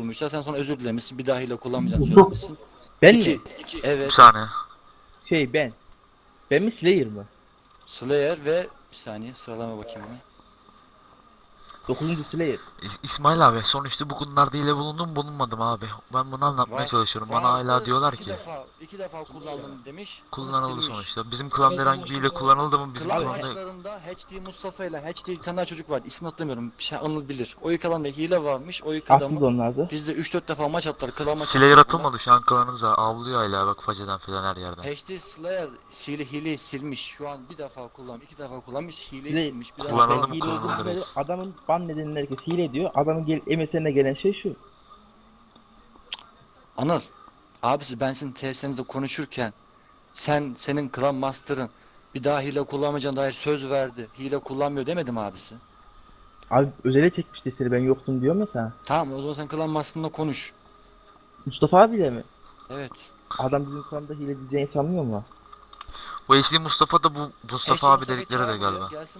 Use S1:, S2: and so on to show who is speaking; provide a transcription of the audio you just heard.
S1: bulmuşlar. Sen sonra özür dilemişsin. Bir daha hile kullanmayacağını söylemişsin.
S2: Ben
S1: İki.
S2: mi?
S3: Bir
S1: Evet.
S3: saniye.
S2: Ben. Ben mi Slayer mı?
S1: Slayer ve bir saniye sıralama bakayım hemen.
S2: 9. Slayer.
S3: İsmail abi sonuçta bu konularda hile bulundum bulunmadım abi. Ben bunu anlatmaya çalışıyorum. Bana hala
S1: Vardı,
S3: diyorlar
S1: iki
S3: ki
S1: iki defa kullandım demiş. bunu
S3: kullanıldı
S1: silmiş.
S3: sonuçta. Bizim klanda herhangi bir hile kullanıldı mı? Bizim
S1: Klan
S3: klanda
S1: maçlarında HD Mustafa ile HD bir tane daha çocuk var. İsmini hatırlamıyorum. Bir şey Anıl bilir. O yıkadan hile varmış. O
S2: Haksız
S1: yıkadamı
S2: onlardı.
S1: bizde 3-4 defa maç attılar. Klan maçı
S3: Slayer
S1: attılar.
S3: atılmadı şu an klanınıza. Avlıyor hala bak faceden filan her yerden.
S1: HD Slayer hileyi silmiş. Şu an bir defa kullanmış, iki defa kullanmış. Hileyi
S2: Slayer
S1: silmiş. Bir daha
S3: kullanıldı mı,
S2: hile
S3: kullanıldı
S2: olduğunu
S3: reis.
S2: söylüyor. Adamın ban nedenini herkes hile diyor. Adamın MSN'e gelen şey şu.
S1: Anıl, abisi ben sizin tesisinizde konuşurken senin Clan Master'ın bir daha hile kullanmayacağına dair söz verdi. Hile kullanmıyor demedim abisi.
S2: Abi özele çekmişti seni, ben yoktum diyorum ya sana.
S1: Tamam o zaman sen Clan Master'ınla konuş.
S2: Mustafa abiyle mi?
S1: Evet.
S2: Adam bizim klanda hile diyeceğini sanmıyor mu?
S3: Bu HD Mustafa da bu Mustafa abi dedikleri de
S1: çağır buraya,
S3: galiba.
S1: gelsin